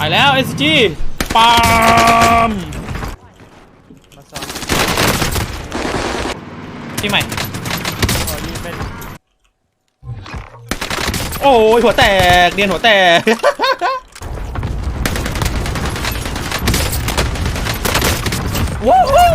ไปแล้ว SG ปามมาซ้อมที่ใหม่ขอยิงเป็นโอ้ยหัวแตกเรียนหัวแตก ว้าว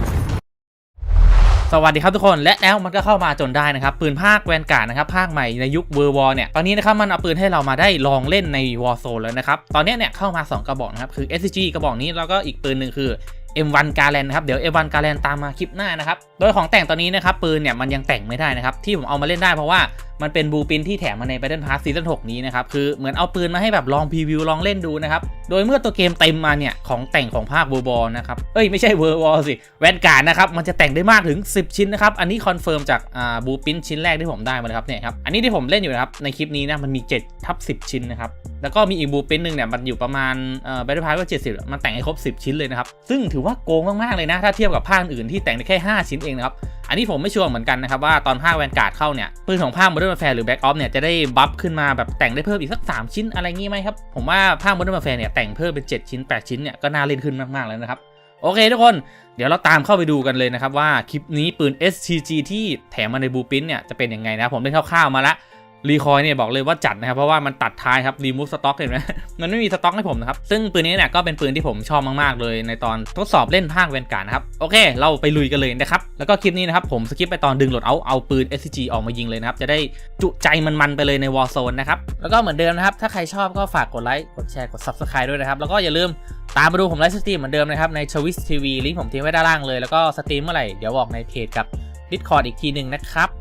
สวัสดีครับทุกคนและแล้วมันก็เข้ามาจนได้นะครับปืนภาคแวนการ์ดนะครับภาคใหม่ในยุคเวอร์วอร์เนี่ยตอนนี้นะครับมันเอาปืนให้เรามาได้ลองเล่นในวอร์โซนแล้วนะครับตอนนี้เนี่ยเข้ามา2กระบอกนะครับคือ SCG กระบอกนี้แล้วก็อีกปืนหนึ่งคือ M1 Garand นะครับเดี๋ยว M1 Garand ตามมาคลิปหน้านะครับโดยของแต่งตอนนี้นะครับปืนเนี่ยมันยังแต่งไม่ได้นะครับที่ผมเอามาเล่นได้เพราะว่ามันเป็นบูปินที่แถมมาใน Battle Pass ซีซั่น 6 นี้นะครับคือเหมือนเอาปืนมาให้แบบลองพรีวิวลองเล่นดูนะครับโดยเมื่อตัวเกมเต็มมาเนี่ยของแต่งของภาคเวอร์วอร์นะครับไม่ใช่เวอร์วอร์สิแวนการ์ดนะครับมันจะแต่งได้มากถึง10ชิ้นนะครับอันนี้คอนเฟิร์มจากบูปินชิ้นแรกที่ผมได้มาเลยครับเนี่ยครับอันนี้ที่ผมเล่นอยู่นะครับในคลิปนี้นะมันมี7/10 ชิ้นนะครับแล้วก็มีอีกบูปินหนึ่งเนี่ยมันอยู่ประมาณBattle Pass ว่า70มันแต่งให้ครบ10ชิ้นเลยนะครับซึ่งถือว่าโกงมากๆเลยนะถ้าเทียบกับภาคอื่นที่แต่งได้แค่5ชิ้นเองนะครับอันนี้ผมไม่ชัวร์เหมือนกันนะครับว่าตอนภาคแวนการ์ดเข้าเนี่ยปืนของภาค Modern Warfare หรือ Black Ops เนี่ยจะได้บัฟขึ้นมาแบบแต่งได้เพิ่มอีกสัก3ชิ้นอะไรงี้ไหมครับผมว่าภาค Modern Warfare เนี่ยแต่งเพิ่มเป็น7ชิ้น8ชิ้นเนี่ยก็น่าเล่นขึ้นมากๆแล้วนะครับโอเคทุกคนเดี๋ยวเราตามเข้าไปดูกันเลยนะครับว่าคลิปนี้ปืน SCG ที่แถมมาในบูปินเนี่ยจะเป็นยังไงนะผมเล่นคร่าวๆมาละรีคอยเนี่ยบอกเลยว่าจัดนะครับเพราะว่ามันตัดท้ายครับรีมูฟสต็อกเห็นไหม มันไม่มีสต็อกให้ผมนะครับซึ่งปืนนี้เนี่ยก็เป็นปืนที่ผมชอบมากๆเลยในตอนทดสอบเล่นภาคแวนการ์ดนะครับโอเคเราไปลุยกันเลยนะครับแล้วก็คลิปนี้นะครับผมสกิปไปตอนดึงโหลดเอาปืน SCG ออกมายิงเลยนะครับจะได้จุใจมันๆไปเลยใน Warzone นะครับแล้วก็เหมือนเดิมนะครับถ้าใครชอบก็ฝากกดไลค์กดแชร์กด Subscribe ด้วยนะครับแล้วก็อย่าลืมตามมาดูผมไลฟ์สตรีมเหมือนเดิมนะครับใน Twitch TV ลิงก์ผมทิ้งไว้ด้านล่างเลยแล้วก็สตรีมเมื่อไหร่เดี๋ยวบอกในเพจกับ Discord อีกทีนึงนะครับ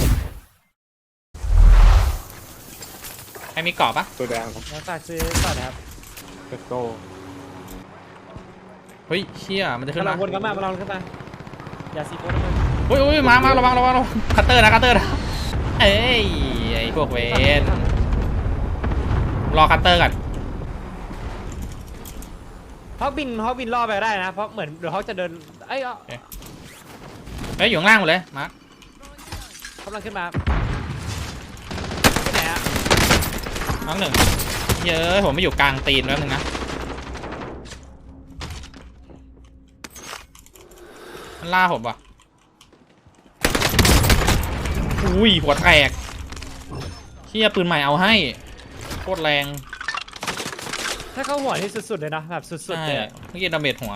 ใครมีกรอบปะตัวแดงครับแล้วฝากซื้อก่อนนะครับ Let's go เฮ้ยเชี่ยมันจะขึ้นมาลมาองวนกันมาลองกันมาอย่าซีโฟนเลยอุ้ยมาระวังคัตเตอร์นะเอ้ยไอพวกเวนรอคัตเตอร์ก่อนฮอกบินล่อไปได้นะเพราะเหมือนเดี๋ยวเขาจะเดินเอ้ยอยู่ข้างล่างหมดเลยมาร์คกำลังขึ้นมาที่ไหนอะน้องหนึ่งเยอะผมไม่อยู่กลางตีนแล้วนึงนะมันล่าผมว่ะอุ้ยหัวแตกเชี่ยปืนใหม่เอาให้โคตรแรงถ้าเข้าหัวนี่สุดๆเลยนะแบบสุดๆเลยเมื่อกี้ดาเมจหัว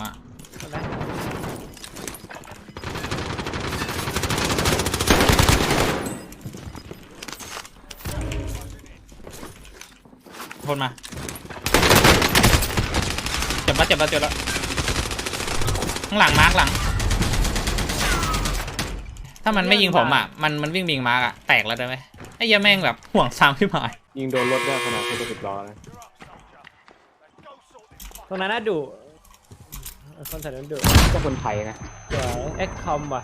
คนมาเจ็บแล้วข้างหลังมาร์กหลังถ้ามันไม่ยิงผมอ่ะมันวิ่งบิงมาร์กอ่ะแตกแล้วได้ไหมไอ้ยาแม่งแบบห่วงซ้ำขึ้นมายิงโดนรถได้ขนาดเขาจะติดล้อนะตรงนั้นน่าดุคนใส่นั้นดุก็คนไทยนะเดี๋ยวเอ็กคอมว่ะ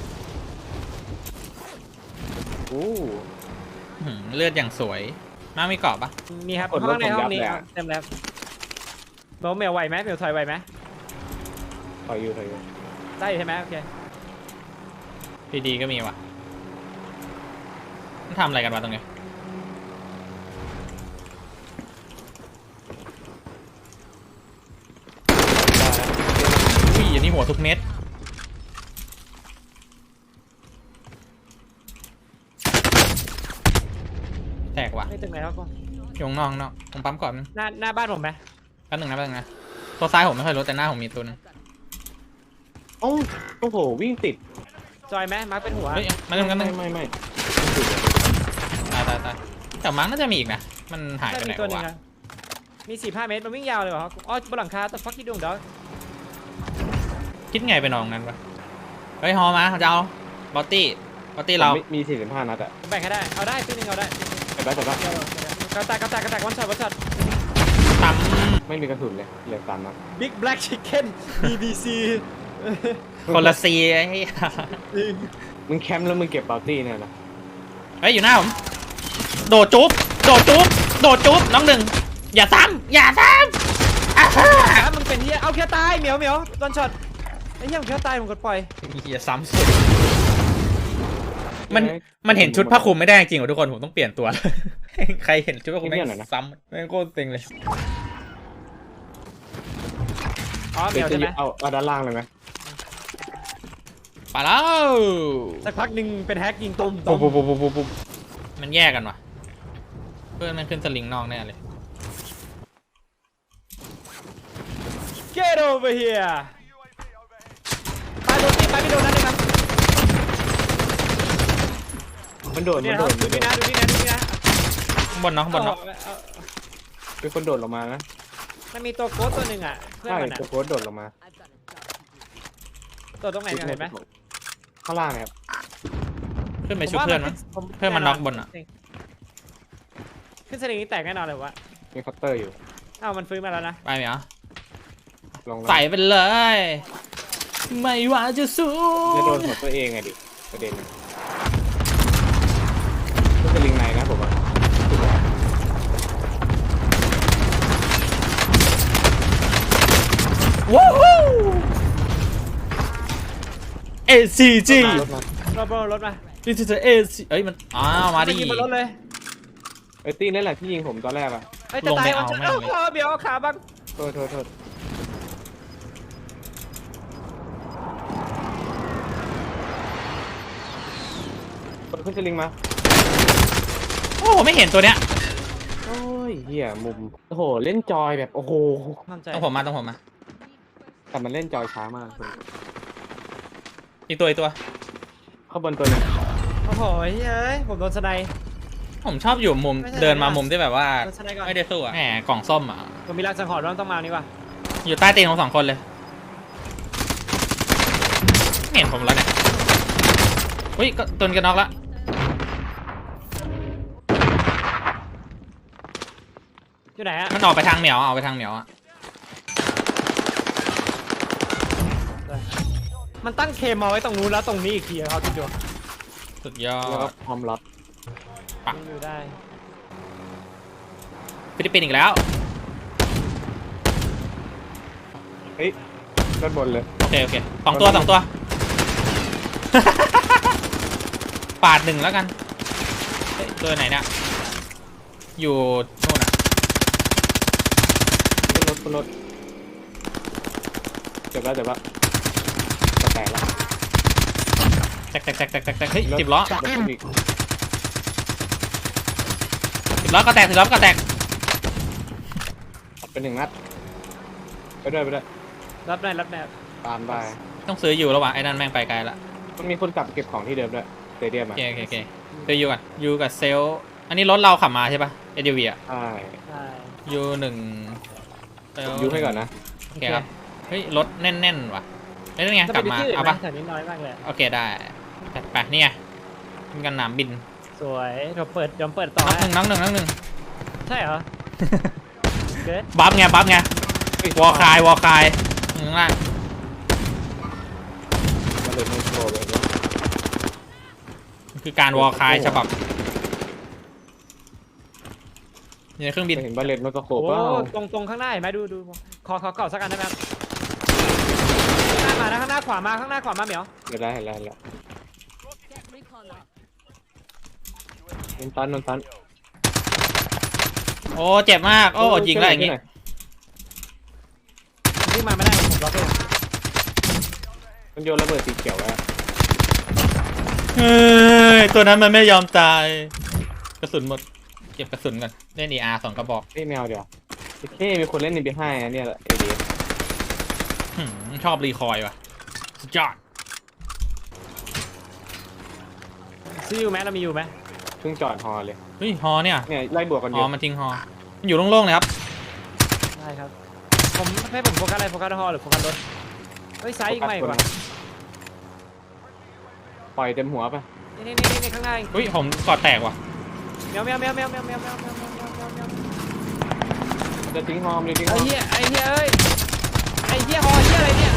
เลือดอย่างสวยมามีกรอบปะมีครับห้องในห้องนี้เต็มแล้วเมลไหวไหมเมลถอยไหวไหมถอยอยู่ได้ใช่ไหมโอเคดีก็มีว่ะมันทำอะไรกันวะตรงนี้อุ้ยอันนี้หัวทุกเม็ดแตกว่ะไม่ตึงไหนครับก็อยู่ข้างนอกผมปั๊มก่อนหน้าบ้านผมไหมแป๊บนึงนะตัวซ้ายผมไม่ค่อยรู้แต่หน้าผมมีตัวนึงโอ้โหวิ่งติดจอยไหมมาร์คเป็นหัวไม่ตายแต่มาร์คน่าจะมีอีกนะมันหายไปไหนวะมี4-5 เมตรมันวิ่งยาวเลยวะอ๋อบนหลังคาแต่ฟักคิดดูเดี๋ยวคิดไงไปนองนั้นวะเฮ้ยฮอมาจะเอาบอตตี้เรามี45 นัดอะแบ่งให้ได้เอาได้ปีนึงเอาได้แต่ได้กระแตกวันช็อตต่ำไม่มีกระสุนเลยเหลือ3 นัด Big Black Chicken BBC คนละซีไอ้มึงแคมป์แล้วมึงเก็บปาร์ตี้เนี่ยนะเฮ้ยอยู่หน้าผมโดดจุ๊บน้องหนึ่งอย่าซ้ำมึงเป็นเฮียเอาแค่ตายเหมียววันช็อตไอ้เฮียมึงแค่ตายมึงกดปล่อยอย่าซ้ำสุดมันเห็นชุดผ้าคลุมไม่ได้จริงเหรอทุกคนผมต้องเปลี่ยนตัวใครเห็นชุดผ้าคลุมไม่ซ้ำแม่งโคตรเต็งเลยอ๋อเหมียวใช่ไหมเอาด้านล่างเลยไหมไปแล้วสักพักหนึ่งเป็นแฮกยิงตุ้มปุ๊บมันแยกกันวะเพื่อนมันขึ้นสลิงนอกแน่เลย Get over here ไปโดนนี่ไปไม่โดนนั่นเลยครับมันโดดนี่มันนะโดดดูนี่นะดูนี่นะดูนี่นะข้างบนเนาะข้างบนเนาะเป็นคนโดดลงมานะมันมีตัวโค้ดตัวหนึ่งอ่ะเพื่อนใช่มันอ่ะตัวโค้ดโดดลงมาตัวตรงไหนกันเห็นไหมข้างล่างเนี่ยครับขึ้นไปช่วยเพื่อนมั้ง เพื่อนมันน็อกบนอะขึ้นสลิงนี้แตกแน่นอนเลยวะมีคัตเตอร์อยู่อ้าวมันฟื้นมาแล้วนะไปไหมอ่ะลงแล้วใส่ไปเลย ไม่ว่าจะสู้จะโดนหัวตัวเองไงดิประเด็นก็จะลิงในนะผมว่าว้าว ACG รถมานี่จะ AC เอ้ยมันมาดิยิงบนรถเลยไอ้ตี้นั่นแหละที่ยิงผมตอนแรกอะเฮ้ยจะตายลงไปเอาแม่งเลยเดี๋ยวขาบังโทษขึ้นจะลิงมาโอ้ไม่เห็นตัวเนี้ยโอ้ยเหี้ยมุมโอ้โหเล่นจอยแบบโอ้โหมั่นใจต้องผมมาแต่มันเล่นจอยช้ามากคุณอีกตัวข้างบนตัวนึงโอ้โหเฮ้ยผมโดนสไนด์ผมชอบอยู่มุมไม่ใช่เดินมามุมที่แบบว่าโดนสไนด์ก่อนไม่ได้สู้อะแหมกล่องส้มอ่ะผมมีรักสังหรณ์ว่าต้องมานี่ว่ะอยู่ใต้ตีนของสองคนเลยไม่เห็นผมแล้วเนี่ยอุ้ยก็ตุนกันน็อกละอยู่ไหนฮะมันออกไปทางเหมียวเอาไปทางเหมียวอ่ะมันตั้งเคมมาไว้ตรงนู้นแล้วตรงนี้อีกทีเขาคิดดูสุดยอแล้วก็ดพร้อมรับปักมันอยู่ได้ฟิลิปปินส์อีกแล้วเฮ้ยด้านบนเลยโอเคสองตัว ปาดหนึ่งแล้วกันเฮ้ยตัวไหนเนี่ยอยู่นู่นอ่ะขึ้นรถเจ็บแล้วจะแตกแล้วแตกเฮ้ยสิบล้อรถอีก 10 ล้อก็แตกเป็นหนึ่งนัดไปด้วยรับได้รับได้ตามได้ต้องซื้ออยู่แล้วว่ะไอ้นั่นแม่งไปไกลละมันมีคนกลับเก็บของที่เดิมด้วยสเตเดียมโออ่ะเคซื้ออยู่กันอยู่กับเซลล์อันนี้รถเราขับมาใช่ปะ SUV อ่ะใช่ใช่ยูหนึ่งยูให้ก่อนนะโอเคครับเฮ้ยรถแน่นว่ะเฮ้ยนี่ไงกลับมาเอาปะแถวนี้น้อยมากเลยโอเคได้จัดไปนี่ไงมีกันหนามบินสวยเราเปิดต่อน้องหนึ่งใช่เหรอเกิดบัฟไงวอลคายข้างล่างมาเลยโนโชว์เลยคือการวอลคายฉบับอยู่ในเครื่องบินเห็นบาเลตมันก็โขบโอ้ว่าตรงข้างหน้าเห็นไหมดูขอเก่าสักอันได้ไหมครับข้างหน้ามานะข้างหน้าขวามาเหมียวเห็นแล้ว Get recon up. นนตันโอ้เจ็บมากโอ้ยิงแล้วอย่างงี้วิ่งมาไม่ได้ผมล็อกเองมันโยนระเบิดสีเขียวแล้วเฮ้ยตัวนั้นมันไม่ยอมตายกระสุนหมดเก็บกระสุนก่อนเล่น ER 2 กระบอกเฮ้ยแมวเดี๋ยวมีคนเล่นในบีไฮเนี่ยแหละเอเดียชอบรีคอยว่ะสุดยอดซื้ออยู่ไหมเรามีอยู่ไหมเพิ่งจอดฮอเลยเฮ้ยฮอเนี่ยเนี่ยไล่บวกกันฮเยออะมันทิ้งฮอมันอยู่โล่งๆเลยครับได้ครับผมให้ผมโฟกัสอะไรโฟกัสฮอหรือโฟกัสรถเฮ้ยซ้ายอีกไหมกว่าปล่อยเต็มหัวไปนี่ข้างหน้าเฮ้ยผมกอดแตกว่ะแมวจะทิ้งฮอมเลยทิ้งฮไอ้อมเหี้ยเอ้ยไอ้เหี้ยฮอเหี้ยอะไรเนี่ย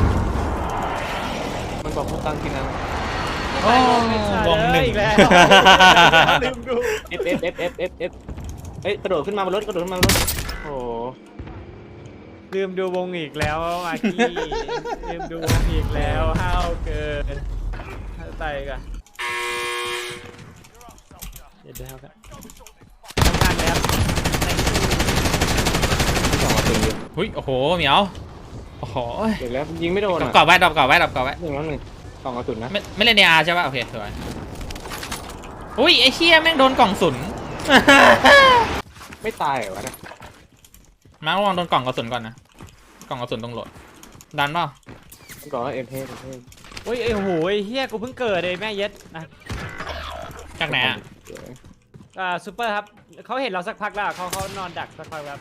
มันบอกพูดตั้งกินนะโอ้วงหนึ่งอีกแล้วลืมดู F เฮ้ยกระโดดขึ้นมาบนรถโอ้ลืมดูวงอีกแล้วมากี้ลืมดูวงอีกแล้วห้าวเกินตายกันเดี๋ยวครับทำการแล้วที่สองมาตึงอยู่เฮ้ยโอ้โหเหมียวโอ้โหเดี๋ยวแล้วยิงไม่โดนดรออ่ะปกรอบไว้ดรอปกรอบไว้ดรอปกรอบไว้หนึ่งแล้วหนึ่งกล่องกระสุนนะไม่เล่นในอาร์ใช่ป่ะโอเคสวยอุ้ยไอ้เชี่ยแม่งโดนกล่องสุนไม่ตายเหรอวะเนี่ยมาระวังโดนกล่องกระสุนก่อนนะกล่องกระสุนตรงโหลดดันเปล่ามันบอกว่าเอ็มเพสโอ้ยไอ้โหยเฮียกูเพิ่งเกิดเลยแม่เย็ดนะจากไหนอ่ะซูเปอร์ครับเขาเห็นเราสักพักแล้วเขานอนดักสักพักครับ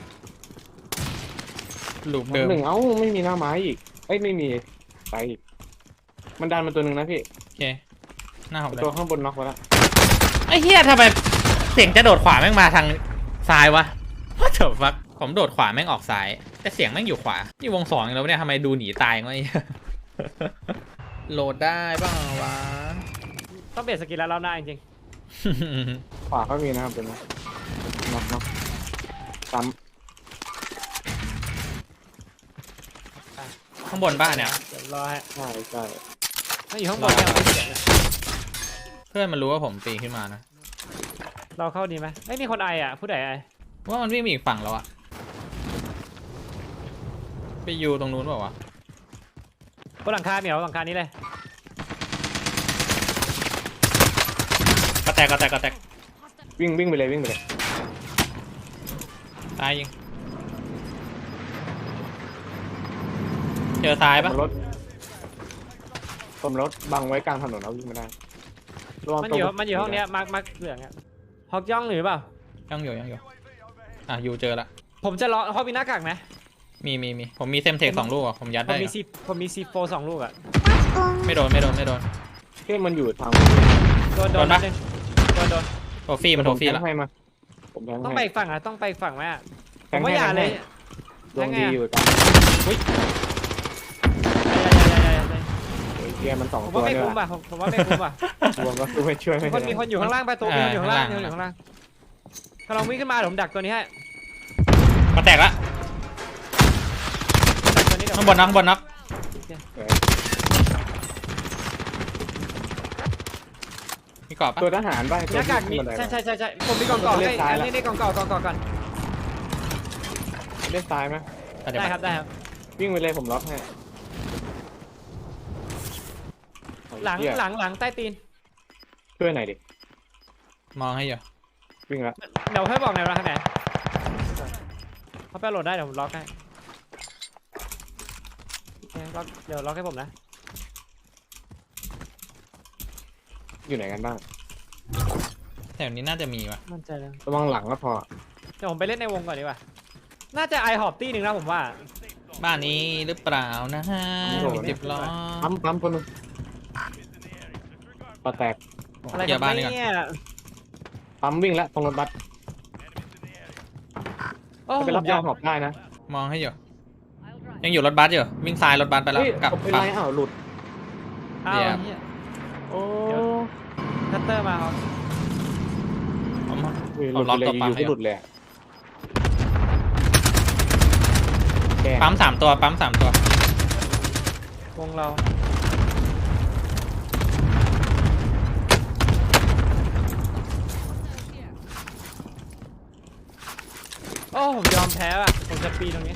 ลูปเดิมหนึ่งเอ้าไม่มีหน้าไม้อีกเอ้ยไม่มีไปอีกมันดันมาตัวหนึ่งนะพี่โอเคหน้าผมเลยตัวข้างบนน็อกไปแล้วไอ้เฮียทำไมเสียงจะโดดขวาแม่งมาทางซ้ายวะว่าเถอะฟักผมโดดขวาแม่งออกซ้ายแต่เสียงแม่งอยู่ขวานี่วงสองแล้วเนี่ยทำไมดูหนีตายวะไอ้เหี้ย โหลดได้บ้างวะต้องเปลี่ยนสกินแล้วเราหน้าจริงขวาก็มีนะครับเป็นน็อกซ้ข้างบนบ้านเนี่ยเดี๋ยวรอให้ำใช่ใช่ไม่อยู่ข้างบนเนี่ยเพื่อนมันรู้ว่าผมปีนขึ้นมานะเราเข้าดีไหมไม่มีคนไออ่ะผู้ใดไอว่ามันวิ่งไปอีกฝั่งแล้วอะไปอยู่ตรงนู้นเปล่าวะบนหลังคาเหมียวหลังคานี้เลยกระแตกกระแตกกระแตกวิ่งไปเลยวิ่งไปเลยตายยิงเจอซ้ายปะผมรถบังไว้กลางถนนเอาวิ่งไม่ได้ระวังมันตรงอยู่ห้องเนี้ยมาร์คเหลืองอ่ะฮอกย่องหรือเปล่ายังอยู่อ่ะอยู่เจอละผมจะรอเขามีหน้ากากไหมมีผมมีเซมเทค2 ลูกอ่ะผมยัดผมได้มีอะผมมีซีโฟ2 ลูกอ่ะไม่โดนที่มันอยู่ทางโดนโดนปะนิดนึงโดนโทฟี่มันโทฟี่ผมละแทงให้มาผมแทงต้องไปให้อีกฝั่งอ่ะต้องไปอีกฝั่งไหมอ่ะผแทงมให้ว่าอย่าเลยดวงดีอยู่ตาม เกียร์มันสองผมตัวว่าไม่เนี่ยคุ้มป่ะผมว่าไม่คุ้มป่ะรวมก็คือไม่ช่วยไม่คนได้มีคนอยู่ข้างล่างไปตัวมีคนอยู่ข้างล่างมีคนอยู่ข้างล่างกำลังวิ่งขึ้นมาเดี๋ยวผมดักตัวนี้ให้กระแตกละดักตัวนี้เดี๋ยวข้างบนน็อกมีกรอบปะตัวทหารป่ะหน้ากากมีใช่ผมมีกล่องก่อให้นี่กล่องก่อนเล่นซ้ายไหมได้ครับวิ่งไปเลยผมล็อกให้หลังใต้ตีนช่วยหน่อยดิมองให้อยู่วิ่งละเดี๋ยวให้บอกหน่อยว่าข้างไหนเขาไปโหลดได้เดี๋ยวผมล็อกให้เดี๋ยวล็อกให้ผมนะอยู่ไหนกันบ้างแถวนี้น่าจะมีว่ะมั่นใจเลยระวังหลังก็พอเดี๋ยวผมไปเล่นในวงก่อนดีกว่าน่าจะไอหอบตี้หนึ่งนะผมว่าบ้านนี้หรือเปล่านะฮะมี10 ล้อปั๊มคนนึงปะแตกอะไรเกียกัร์บบ้านนี้ก่อนเนี่ยปั๊มวิ่งแล้วตรงรถบัสโอ้ไปรับยาหอบได้นะมองให้อยู่ยังอยู่รถบัสอยู่วิ่งซ้ายรถบัสไปแล้วเฮ้ยกลับเป็นฝั่ไรง อ้าวหลุดอ้าวเดี๋ยวเฮียโอ้คัตเตอร์มาครับผมหลุดเลยอยู่ก็หลุดเลยแกปั๊ม3 ตัวปั๊ม3 ตัววงเราโอ้ผมยอมแพ้อ่ะผมจะปีนตรงนี้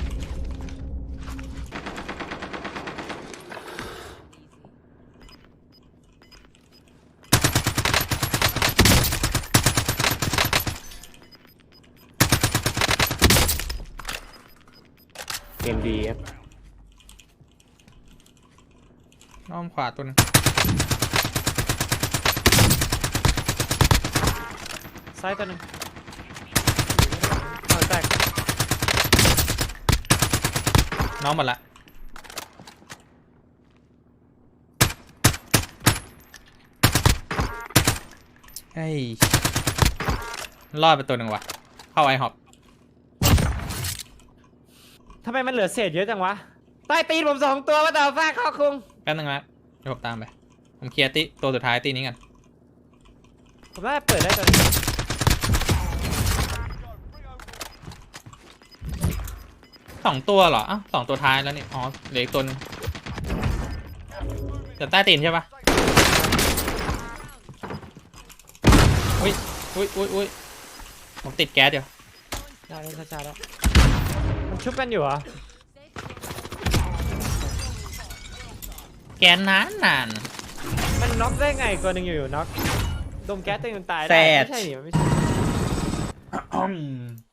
เกมดีครับอ้อมขวาตัวนึงซ้ายตัวหนึ่งเอาแตกน้องหมดละเฮ้ยรอดไปตัวหนึ่งว่ะเข้าไอฮอปทำไมมันเหลือเศษเยอะจังวะใต้ตีนผม2 ตัวว่าแต่ฟาดเข้าคุงแป๊บนึงนะเดี๋ยวผมตามไปผมเคลียร์ตัวสุดท้ายตีนี้กันผมน่าจะเปิดได้ตัวนี้ 2 ตัวเหรออ้าว2 ตัวท้ายแล้วนี่อ๋อเหลืออีกตัวนึงจะใต้ตีนใช่ปะอุ้ยผมติดแก๊สเดี๋ยวได้ช้าๆแล้วมันชุบกันอยู่เหรอแกนนานมันน็อกได้ไงตัวหนึ่งอยู่ๆน็อกดมแก๊สตัวหนึงตายได้แซดไม่ใช่หนิมันไม่ใช่ๆ